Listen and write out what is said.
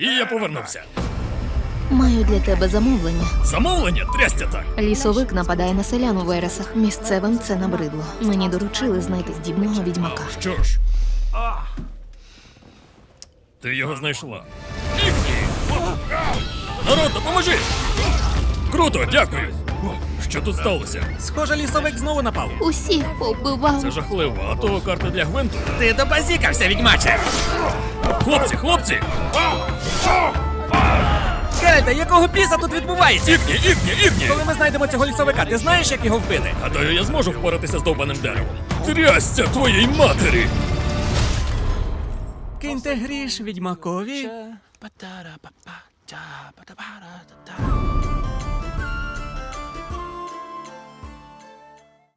І я повернувся. Маю для тебе замовлення. Замовлення? Трястя так. Лісовик нападає на селян у вересах. Місцевим це набридло. Мені доручили знайти здібного відьмака. Що ж? Ти його знайшла. Ігні! Народ, допоможи! Круто, дякую! Що тут сталося? Схоже, лісовик знову напав. Усіх повбивав. Це жахливо, а то карта для Гвинту. Ти добазікався, відьмаче! Хлопці, хлопці! Геральте, якого біса тут відбувається? Ігні! Коли ми знайдемо цього лісовика, ти знаєш, як його вбити? Гадаю, я зможу впоратися з довбаним деревом. Трясця твоїй матері! Киньте гріш відьмакові. Ba-da-da-ba-ba-da-ba-da-ba-da-da.